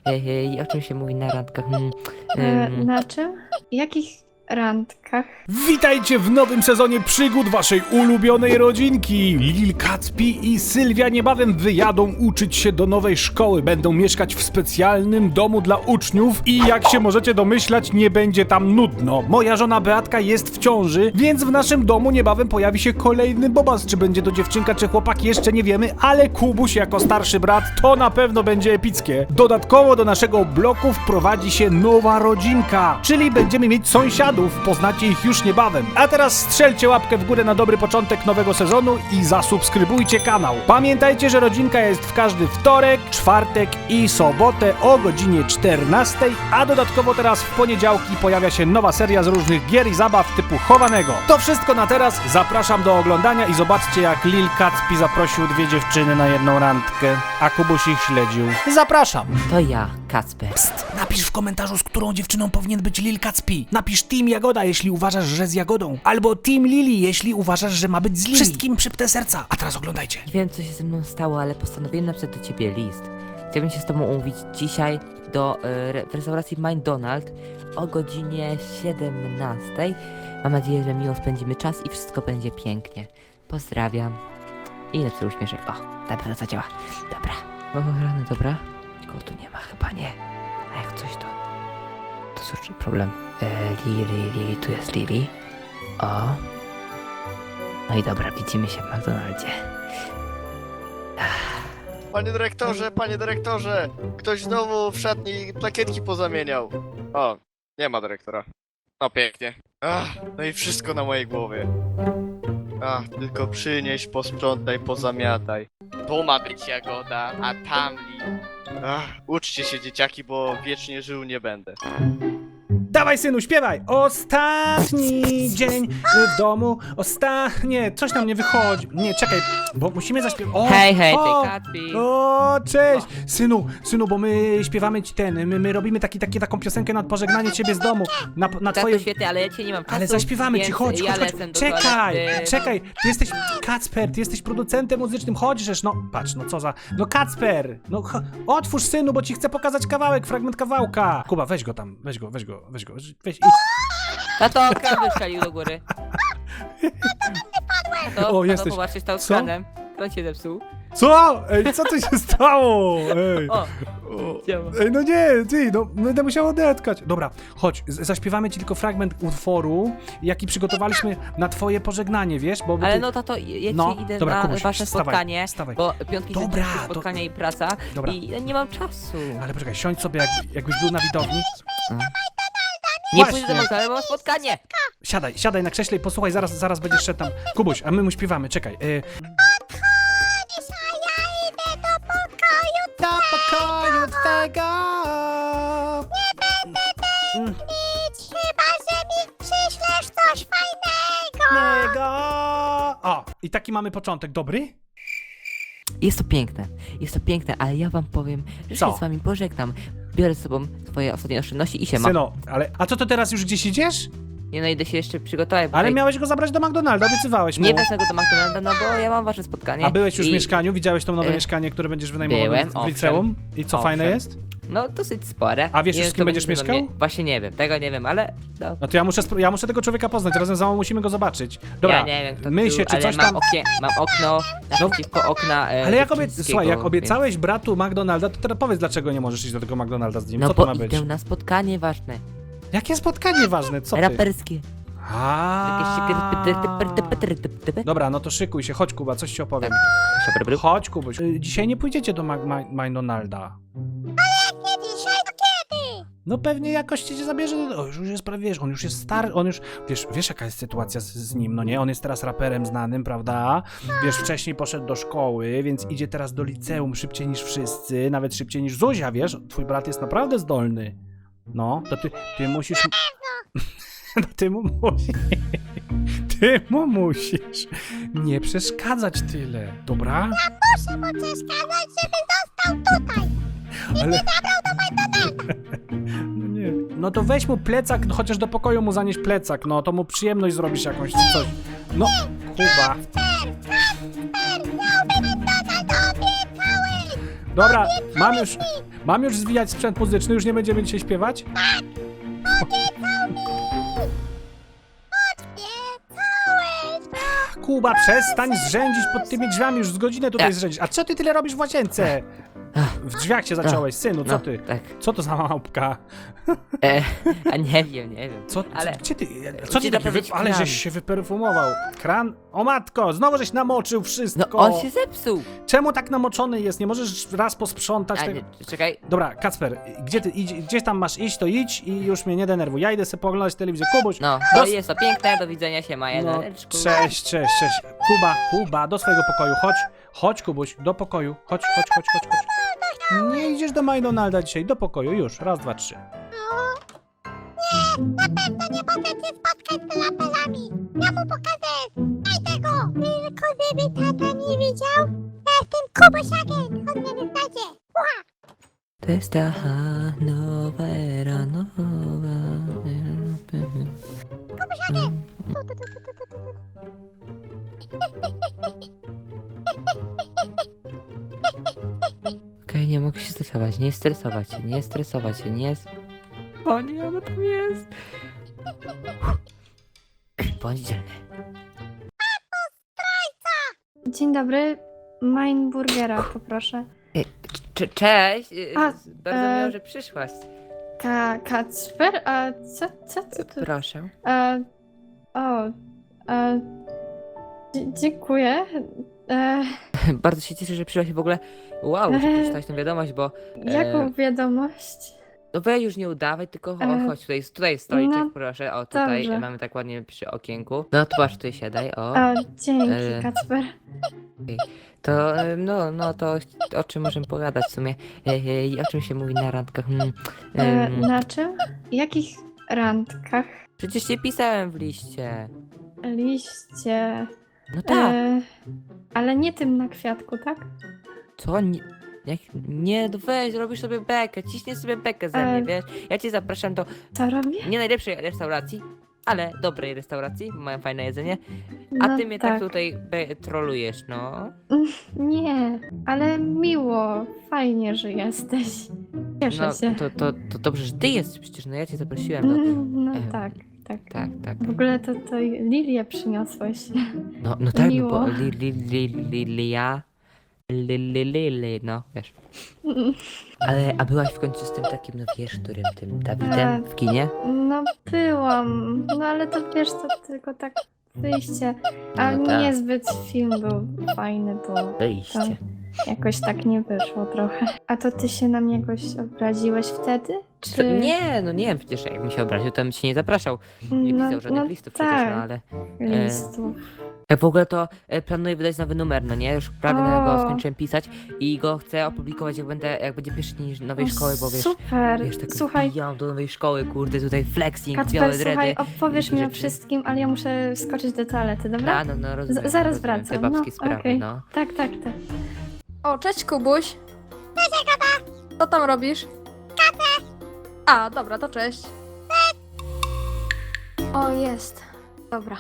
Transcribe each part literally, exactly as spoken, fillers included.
Ej, o czym się mówi na randkach? Hmm, E, ym, na czym? Jakich randkach? Witajcie w nowym sezonie przygód waszej ulubionej rodzinki. Lil Kacpi i Sylwia niebawem wyjadą uczyć się do nowej szkoły. Będą mieszkać w specjalnym domu dla uczniów i jak się możecie domyślać, nie będzie tam nudno. Moja żona Beatka jest w ciąży, więc w naszym domu niebawem pojawi się kolejny bobas. Czy będzie to dziewczynka czy chłopak, jeszcze nie wiemy, ale Kubuś jako starszy brat to na pewno będzie epickie. Dodatkowo do naszego bloku wprowadzi się nowa rodzinka, czyli będziemy mieć sąsiadów. Poznacie ich już niebawem. A teraz strzelcie łapkę w górę na dobry początek nowego sezonu i zasubskrybujcie kanał. Pamiętajcie, że rodzinka jest w każdy wtorek, czwartek i sobotę o godzinie czternastej, a dodatkowo teraz w poniedziałki pojawia się nowa seria z różnych gier i zabaw typu chowanego. To wszystko na teraz. Zapraszam do oglądania i zobaczcie, jak Lil Kacpi zaprosił dwie dziewczyny na jedną randkę, a Kubuś ich śledził. Zapraszam. to ja, Kacper. Napisz w komentarzu, z którą dziewczyną powinien być Lil Kacpi. Napisz Team Jagoda, jeśli uważasz, że z Jagodą. Albo Team Lili, jeśli uważasz, że ma być z Lili. Wszystkim przypnę serca. A teraz oglądajcie. Nie wiem, co się ze mną stało, ale postanowiłem napisać do ciebie list. Chciałbym się z tobą umówić dzisiaj do y, re- w restauracji McDonald's o godzinie siedemnastej. Mam nadzieję, że miło spędzimy czas i wszystko będzie pięknie. Pozdrawiam. I lepszy uśmieszek. O, na pewno zadziała. Dobra. O, rany, dobra. Nikogo tu nie ma, chyba nie. A jak coś to... To cóż, problem. E, Lili, Lili, tu jest Lili. O. No i dobra, widzimy się w McDonaldzie. Panie dyrektorze, panie dyrektorze! Ktoś znowu w szatni plakietki pozamieniał. O, nie ma dyrektora. No pięknie. Ach, no i wszystko na mojej głowie. Ach, tylko przynieś, posprzątaj, pozamiataj. Tu ma być Jagoda, a tam Li. Ach, uczcie się dzieciaki, bo wiecznie żył nie będę. Dawaj, synu, śpiewaj! Ostatni dzień w domu. Osta... Nie, coś nam nie wychodzi. Nie, czekaj, bo musimy zaśpiewać. O, Hej, hej, o, ty Kacpi! O, cześć! Synu, synu, bo my śpiewamy ci ten, my, my robimy taki, taki, taką piosenkę na pożegnanie ciebie z domu. Na, na Tak, twoje... to świetnie, ale ja cię nie mam czasu. Ale zaśpiewamy ci, więc chodź, ja chodź, chodź. lecę do Czekaj, toalety. czekaj, ty jesteś, Kacper, ty jesteś producentem muzycznym, chodźżesz, no, patrz, no co za, no Kacper, no cho- otwórz, synu, bo ci chcę pokazać kawałek, fragment kawałka. Kuba, weź go tam, weź go, weź go, weź go, weź, idź. Tato, kran wystrzelił do góry. Tato, O, tato, jesteś. popatrzcie, stał z Co? kranem. Kran się zepsuł. Co? Ej, co tu się stało? Ej. O, O, działa. Ej, no nie, ty, no będę musiał odetkać. Dobra, chodź, z- zaśpiewamy ci tylko fragment utworu, jaki przygotowaliśmy na twoje pożegnanie, wiesz, bo... bo ale ty... no tato, ja No, dzisiaj idę dobra, na Kubuś, wasze wstawaj, spotkanie, wstawaj. bo piątki Dobra, dobra, to- spotkanie i praca Dobra. i ja nie mam czasu. Ale poczekaj, siądź sobie, jak, jakbyś był na widowni. Nie Właśnie. pójdę do McDonald's, bo mam spotkanie. Siadaj, siadaj na krześle i posłuchaj, zaraz, zaraz będziesz szedł tam. Kubuś, a my mu śpiewamy, czekaj. Y... Do pokoju twego. Mm. Chyba, że mi przyślesz coś fajnego. Niego. O, i taki mamy początek, dobry? Jest to piękne, jest to piękne, ale ja wam powiem, że Co? się z wami pożegnam. Biorę z sobą swoje ostatnie oszczędności i się mam. Syno, ale, a co to teraz już gdzieś idziesz? Nie no, idę się jeszcze przygotować, bo Ale tutaj miałeś go zabrać do McDonalda, obiecywałeś mu. nie wezmę go do McDonalda, no bo ja mam wasze spotkanie. A byłeś już w i- mieszkaniu? Widziałeś to nowe Y, mieszkanie, które będziesz wynajmował byłem, w owszem. liceum? I co, fajne Owszem. jest? No, dosyć spore. A wiesz Nie już, wiem, z kim kto będziesz będzie do mieszkał? mnie- Właśnie nie wiem, tego nie wiem, ale... No. No to ja muszę, spro- ja muszę tego człowieka poznać, razem z mamą musimy go zobaczyć. Dobra, Ja nie wiem, kto my tu, się, czy ale coś mam tam... Okie, mam okno naprzeciwko okna e, Ale jak, obie... dziewczyńskiego, Słuchaj, jak więc- obiecałeś bratu McDonalda, to teraz powiedz, dlaczego nie możesz iść do tego McDonalda z nim. No Co to bo ma być? idę na spotkanie ważne, Jakie spotkanie ważne, co ty? raperskie. Jakieś Aaaa. Dobra, no to szykuj się, chodź Kuba, coś ci opowiem. Chodź Kubuś. Y, Dzisiaj nie pójdziecie do Ma- Ma- McDonalda. Nie dzisiaj, to kiedy? No pewnie jakoś cię zabierze, do... o, już jest prawie, wiesz, on już jest stary, on już, wiesz, wiesz jaka jest sytuacja z, z nim, no nie? On jest teraz raperem znanym, prawda? Wiesz, wcześniej poszedł do szkoły, więc idzie teraz do liceum szybciej niż wszyscy, nawet szybciej niż Zuzia, wiesz? Twój brat jest naprawdę zdolny. No, to ty, ty musisz... No ty mu musisz... Ty mu musisz nie przeszkadzać tyle, dobra? Muszę mu przeszkadzać, żeby został tutaj. Ale... No nie. No to weź mu plecak, no chociaż do pokoju mu zanieś plecak, no to mu przyjemność zrobisz jakąś czy coś. No, Kuba. Dobra, mam już, Mam już zwijać sprzęt muzyczny, już nie będziemy dzisiaj śpiewać? Kuba, przestań zrzędzić pod tymi drzwiami, już z godzinę tutaj Ja. zrzędzisz. A co ty tyle robisz w łazience? W drzwiach się zaciąłeś, synu, co No, ty? tak. Co to za małpka? E, a nie wiem, nie wiem. Co, Ale- co, gdzie ty, co ty Ci taki wy... naprawić Ale kran. żeś się wyperfumował. Kran? O matko, znowu żeś namoczył No wszystko. on się zepsuł. Czemu tak namoczony jest? Nie możesz raz posprzątać A, tego? nie, czekaj. Dobra, Kacper, gdzie ty, idź, gdzieś tam masz iść, to idź i już mnie nie denerwuj. Ja idę sobie pooglądać telewizję. Kubuś, No, do... to jest to piękne, do widzenia się, Maja. No, No, cześć, cześć, cześć. Kuba, Kuba, do swojego pokoju, chodź. Chodź, Kubuś, do pokoju. Chodź, chodź, chodź, chodź, chodź. Nie idziesz do McDonalda dzisiaj, do pokoju, już. Raz, dwa, trzy. Na pewno nie mogę się spotkać z lapelami. Ja mu pokażę. Daj tego. Tylko żeby tata nie widział. Ja jestem Kubusiakiem. On mnie wyznacie. To jest ta nowa era, nowa era. Kubusiakiem. Tu, tu, tu, tu, tu, tu, tu. Okej, nie mogę się stresować, nie stresować się, nie stresować się, nie... s- O nie, ona tam jest. Bądź dzielny. Dzień dobry. Mine burgera, poproszę. Cze- Cześć, y, A, z- bardzo e, miło, że przyszłaś. Ka Kacper? A co, co, co tu? Proszę. E, o, e, dzie- dziękuję. E, Bardzo się cieszę, że przyszłaś w ogóle. Wow, muszę przeczytać tę wiadomość, bo... jaką wiadomość? No weź już nie udawaj, tylko cho- E, chodź, tutaj, tutaj jest stoliczek, no, proszę, o tutaj dobrze. mamy tak ładnie przy okienku. No to masz, tutaj siadaj, o. A, dzięki, E, Kacper. To, em, no, no to o czym możemy pogadać w sumie? Ej, o czym się mówi na randkach? Hmm, E, em, na czym? Jakich randkach? Przecież nie pisałem w liście. Liście. No tak, E, ale nie tym na kwiatku, tak? co? Nie, jak, nie, no weź, robisz sobie bekę, ciśniesz sobie bekę ze mnie, E. wiesz? Ja cię zapraszam do Co robię? nie najlepszej restauracji, ale dobrej restauracji, bo mają fajne jedzenie, a No ty mnie tak, tutaj be- trolujesz, no. Nie, ale miło, fajnie, że jesteś. Cieszę No, się. to, to, to dobrze, że ty jesteś przecież, no ja cię zaprosiłem, no. Mm, No em, tak, tak. Tak, tak. W ogóle to, to Lilię przyniosłeś. No, no tak, no Miło. bo li, li, li, li, li, ja, li, li, li, li, no, wiesz. Ale, a byłaś w końcu z tym takim, no wiesz, którym, tym Dawidem w kinie? No byłam, no ale to wiesz, to tylko tak wyjście. A No tak. niezbyt film był fajny, bo Wyjście. jakoś tak nie wyszło trochę. A to ty się na mnie jakoś obraziłeś wtedy? Co? Czy... Nie, no nie, przecież jakbym się obraził, to bym cię nie zapraszał. Nie no, pisał żadnych no listów przecież, tak, no ale... listów. Jak w ogóle to e, planuję wydać nowy numer, no nie? Już prawie na go O. skończyłem pisać i go chcę opublikować, jak będę, jak będzie pierwszy dzień nowej O, szkoły, bo wiesz... Super, Wiesz, tak słuchaj, wbijam do nowej szkoły, kurde, tutaj flexing, białe Kacper, dredy. słuchaj, opowiesz i mi o rzeczy. wszystkim, ale ja muszę skoczyć do toalety, dobra? A, no, no, rozumiem, Z- zaraz rozumiem, te wracam, babskie no, sprawy, okej. no. Tak, tak, tak. O, cześć Kubuś. Cześć Agata. Co tam robisz? Kawę. A, dobra, to cześć. O, jest. Dobra.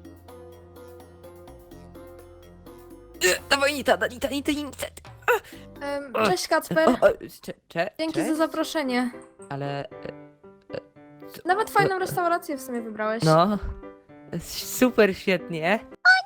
Dawaj, Nita, Nita, Nita, Nita. Em, cześć Kacper. O, o, cze, cze, Dzięki cześć, za zaproszenie. ale... e, Nawet fajną restaurację w sumie wybrałeś. No, super, świetnie.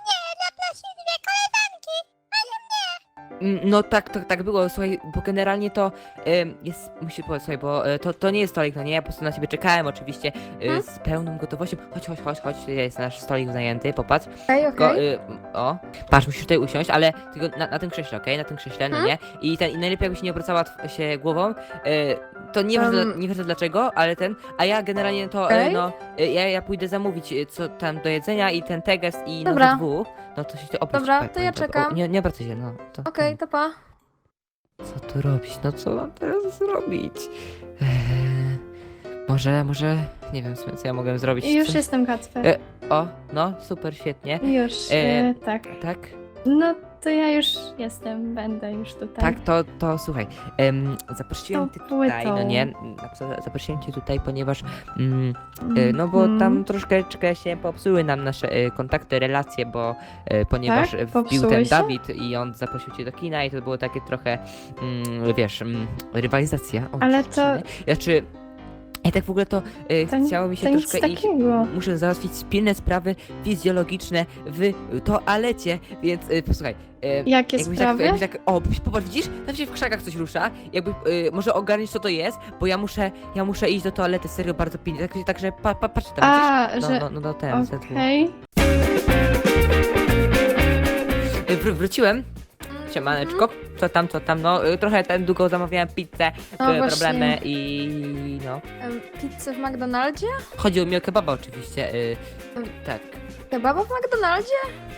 Mm, No tak, to, tak było, słuchaj, bo generalnie to em, jest, musi powiedzieć, słuchaj, bo e, to, to nie jest stolik, no nie, ja po prostu na ciebie czekałem oczywiście e, Hmm? z pełną gotowością. Chodź, chodź, chodź, chodź, jest nasz stolik zajęty, popatrz. Okej, Tylko, okej. y, o, patrz, musisz tutaj usiąść, ale tylko na, na tym krześle, okej? Na tym krześle, no Hmm? nie? I ten, i najlepiej jakbyś nie obracała tw- się głową, y, to nie wiem, Um. nie wiem dlaczego, ale ten, a ja generalnie to, y, Okej. no, y, ja, ja pójdę zamówić y, co tam do jedzenia i ten teges i Dobra. no dwu, no to się to obrać. Dobra, pa- to ja pamiętaj, czekam. O, nie, nie obracaj się, no, to, Okej, to pa. co tu robić, no co mam teraz zrobić? Eee, może, może, nie wiem w sumie, co ja mogę zrobić. I już Co- jestem Kacper. E, O, no, super, świetnie, Już, e, e, tak. tak? No to ja już jestem, będę już tutaj. Tak, to, to słuchaj, em, zaprosiłem Tą cię tutaj, no płytą. nie? Za- Zaprosiłem cię tutaj, ponieważ, mm, e, no bo Mhm. tam troszeczkę się popsuły nam nasze e, kontakty, relacje, bo e, ponieważ Tak? e, wbił Popsuły ten się? Dawid i on zaprosił cię do kina i to było takie trochę, mm, wiesz, mm, rywalizacja. O, Ale to- dziewczyny. Znaczy, ja tak w ogóle to, e, To, chciało mi się to nic troszkę iść. takiego. Muszę załatwić pilne sprawy fizjologiczne w toalecie, więc y, posłuchaj. Y, Jakie jakbyś sprawy? Tak, jakbyś tak, o, popatrz, widzisz? Tam się w krzakach coś rusza. Jakby, y, może ogarniesz co to jest, bo ja muszę, ja muszę iść do toalety, serio bardzo pilnie. Tak, także pa, pa, patrz tam, A, widzisz? że... No, no, no, no ten, ten twój. Okej. Y, wr- Wróciłem. Siemaneczko. Co tam, co tam? No, y, trochę ten długo zamawiałem pizzę, No były właśnie. problemy i no. Em, Pizzę w McDonaldzie? Chodziło mi o kebaba oczywiście. Y, tak. Kebaba w McDonaldzie?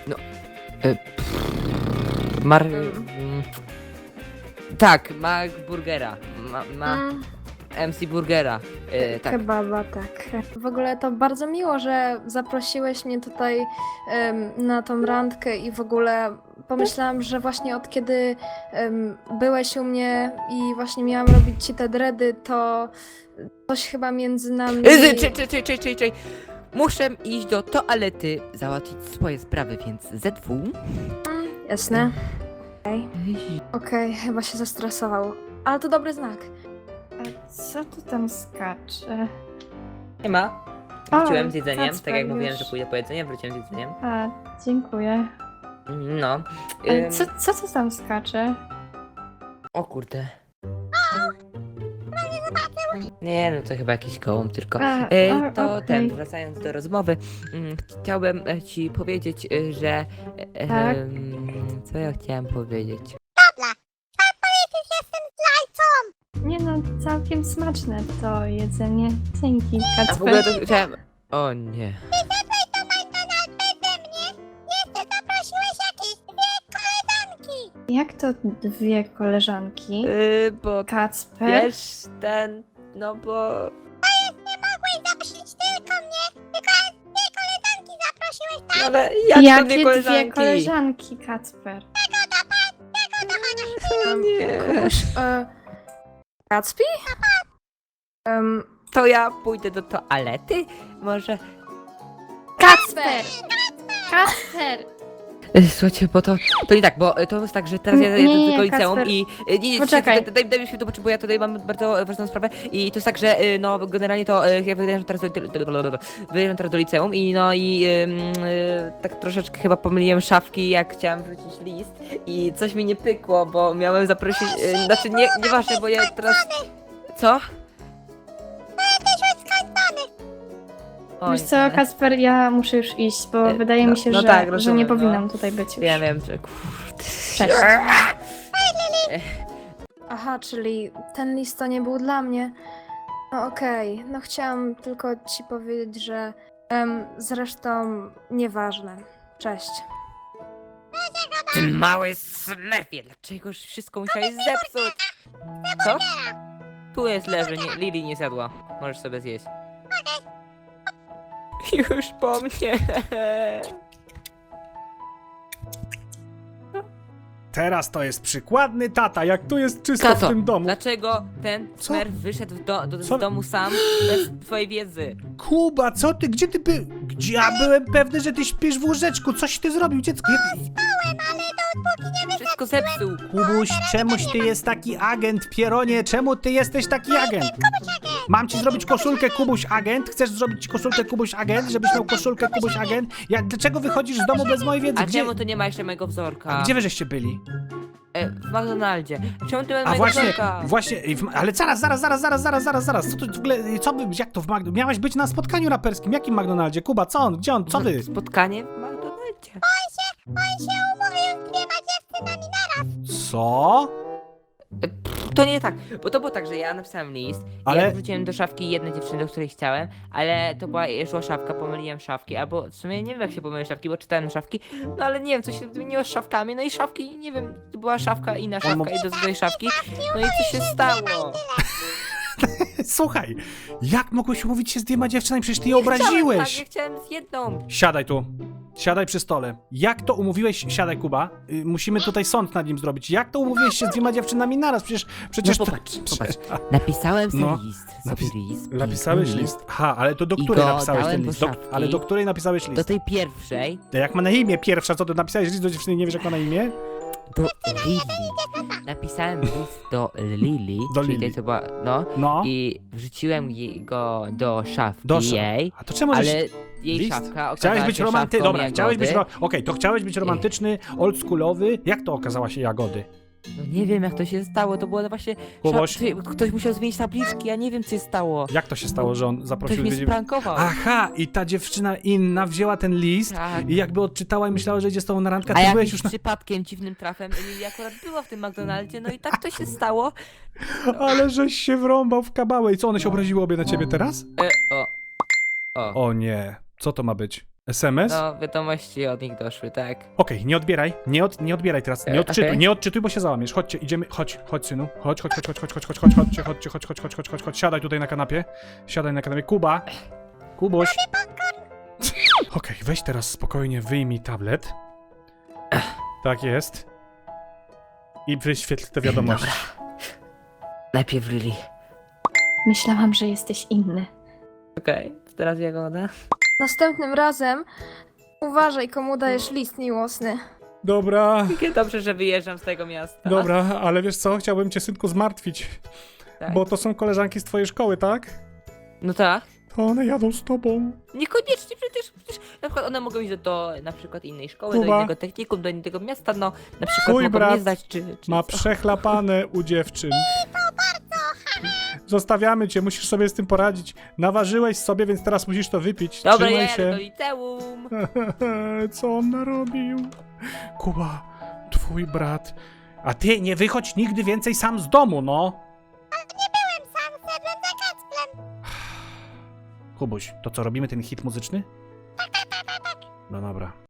Mar... Mm. mm, Tak, Mac Burgera. Ma, ma Mm, M C Burgera. Y, tak. Kebaba, tak. W ogóle to bardzo miło, że zaprosiłeś mnie tutaj em, na tą randkę i w ogóle pomyślałam, że właśnie od kiedy em, byłeś u mnie i właśnie miałam robić ci te dready, to coś chyba między nami... Y, Czej, czej, czej, czej, czej, czej. Muszę iść do toalety, załatwić swoje sprawy, więc Z W. Mm, Jasne. Okej, Okej, chyba się zestresował. Ale to dobry znak. A co tu tam skacze? Nie ma. O, Wróciłem z jedzeniem, Kacper tak jak mówiłem, już. że pójdę po jedzenie, wróciłem z jedzeniem. A, dziękuję. No. Ale Ym, co, co tu tam skacze? O kurde. Nie, no to chyba jakiś gołąb tylko. A, E, o, to okej. ten, wracając do rozmowy, mm, chciałbym e, ci powiedzieć, e, że... e, Tak? em, co ja chciałem powiedzieć? Dobra, trzeba powiedzieć, że jestem zdrajcą. Nie no, całkiem smaczne to jedzenie. Dzięki, A w ogóle Kacper. to chciałem... O nie. Wyszedłeś do McDonald's beze mnie. Jeszcze zaprosiłeś jakieś dwie koleżanki. Jak to dwie koleżanki? Yy, bo Kacper? wiesz, ten... No bo... Nie mogłeś zaprosić tylko mnie, tylko dwie koleżanki zaprosiłeś, tak? Ale jak Jakie to dwie dwie koleżanki? koleżanki, Kacper? No nie. E, Gatsby? Em, To ja pójdę do toalety? Może... Kacper! Kacper! E, Słuchajcie, bo to, to nie tak, bo e, to jest tak, że teraz ja Nie, jadę do nie, tego liceum Kacper. i... e, Nie, nie, Poczekaj. Daj, daj, daj mi chwilę, bo ja tutaj mam bardzo ważną sprawę i to jest tak, że e, no generalnie to e, ja wyjeżdżam teraz do, wyjeżdżam teraz do liceum i no i em, e, tak troszeczkę chyba pomyliłem szafki, jak chciałam wrzucić list i coś mi nie pykło, bo miałem zaprosić... E, znaczy nie, nieważne, bo ja teraz... Co? O, Wiesz nie, co, Kacper, ja muszę już iść, bo E, wydaje no- mi się, no że, tak, że rozumiem, nie no. powinnam tutaj być już. Ja wiem, że... Kurde. Cześć. Aha, czyli ten list to nie był dla mnie. No okej, no chciałam tylko ci powiedzieć, że em, zresztą nieważne. Cześć. Ty mały smerfie, dlaczego wszystko musiałeś zepsuć? Co? Tu jest leży, nie, Lili nie zjadła. Możesz sobie zjeść. Już po mnie. Teraz to jest przykładny tata, jak tu jest czysto w Tato, tym domu. dlaczego ten Co? smerf wyszedł do, do, Co? z domu sam bez twojej wiedzy? Kuba, co ty, gdzie ty by... Gdzie ja byłem pewny, że ty śpisz w łóżeczku, coś ty zrobił, dziecko? Jak... Wszystko zepsuł. Kubuś, czemuś ty jest taki agent, Pieronie, czemu ty jesteś taki agent? Mam ci zrobić koszulkę Kubuś agent? Chcesz zrobić ci koszulkę Kubuś agent, żebyś miał koszulkę Kubuś agent? Jak, dlaczego wychodzisz z domu bez mojej wiedzy? A Gdzie, czemu to nie ma jeszcze mojego wzorka? gdzie wy żeście byli? E, w McDonaldzie. Czemu ty masz A mojego właśnie, wzorka? właśnie, w- ale zaraz, zaraz, zaraz, zaraz, zaraz, zaraz, zaraz, co tu w ogóle, co by, jak to w McDonaldzie? Miałeś być na spotkaniu raperskim, jakim McDonaldzie? Kuba, co on, gdzie on, co wy? Spotkanie w McDonaldzie. On się umówił z dwiema dziewczynami naraz. Co? E, pff, To nie tak, bo to było tak, że ja napisałem list, ale... Ale- ja wrzuciłem do szafki jednej dziewczyny, do której chciałem, ale to była szła szafka, pomyliłem szafki, albo w sumie nie wiem jak się pomyliłem szafki, bo czytałem szafki, no ale nie wiem, coś się zmieniło z szafkami, no i szafki, nie wiem, to była szafka, inna szafka mógł- i do tej szafki, no i co się stało? Słuchaj, jak mogłeś umówić się z dwiema dziewczynami? Przecież ty je Nie chciałem obraziłeś. Tak, ja chciałem z jedną. Siadaj tu. Siadaj przy stole. Jak to umówiłeś... Siadaj, Kuba. Y, musimy tutaj sąd nad nim zrobić. Jak to umówiłeś się z dwiema dziewczynami naraz? Przecież... przecież No to- popatrz, popatrz. Napisałem sobie No. list. Sobie Napis- list. Napisałeś piękny list. Ha, ale to do I której go napisałeś dałem ten do list? Do, szafki. ale do której napisałeś Do list? tej pierwszej, Jak ma na imię pierwsza, co ty napisałeś list do dziewczyny, nie wiesz jak ma na imię? do Lili. Napisałem list do Lili, Do czyli Lili. tej, co była, no, No. i wrzuciłem jej go do szafki Do sza- jej, A to czemu żeś... ale jej list? szafka okazała Chciałeś być się romanty... szafką Dobra, chciałeś być... Jagody. Ro... Okej, to chciałeś być romantyczny, oldschoolowy. Jak to okazała się Jagody? No nie wiem jak to się stało, to było właśnie... Kuboś? Szaf... czy Ktoś musiał zmienić tabliczki, ja nie wiem co się stało. Jak to się stało, że on Ktoś zaprosił mnie dwie dziew- sprankował. Aha, i ta dziewczyna inna wzięła ten list Tak. i jakby odczytała i myślała, że idzie z tobą na randkę, a A ty byłeś jakimś już na... przypadkiem, dziwnym trafem, Lili akurat była w tym McDonaldzie, no i tak to się stało. Ale żeś się wrąbał w kabałę. I co, one się obraziły obie na ciebie teraz? E, o. O. O nie, co to ma być? es em es? No, wiadomości od nich doszły, tak. Okej, nie odbieraj, nie, od, nie odbieraj teraz, nie E, odczytuj, okej. nie odczytuj, bo się załamiesz. Chodźcie, idziemy, chodź, chodź synu, chodź, chodź, chodź, chodź, chodź, chodź, chodź, chodź, chodźcie, chodźcie, chodź, chodź, chodź, chodź, chodź, siadaj tutaj na kanapie, siadaj na kanapie, Kuba, Kubuś. Okej, weź teraz spokojnie, wyjmij tablet. Tak jest. I wyświetl te wiadomości. Najpierw Lili. Myślałam, że jesteś inny. Okej, teraz Jagoda. Następnym razem uważaj, komu dajesz list miłosny. Dobra, Jakie dobrze, że wyjeżdżam z tego miasta. dobra, ale wiesz co, chciałbym cię synku zmartwić, Tak. bo to są koleżanki z twojej szkoły, tak? No tak. To one jadą z tobą. Niekoniecznie przecież, przecież na przykład one mogą iść do, do na przykład innej szkoły, Kuba. do innego technikum, do innego miasta, no na przykład Twój mogą brat nie zdać czy, czy Ma co. przechlapane u dziewczyn. Zostawiamy cię, musisz sobie z tym poradzić. Naważyłeś sobie, więc teraz musisz to wypić. Dobra, Trzymaj ja jadę do się. liceum. Co on narobił? Kuba, twój brat. A ty nie wychodź nigdy więcej sam z domu, no. Byłem sam, szedłem za Kacplem. Kubuś, to co, robimy ten hit muzyczny? No dobra.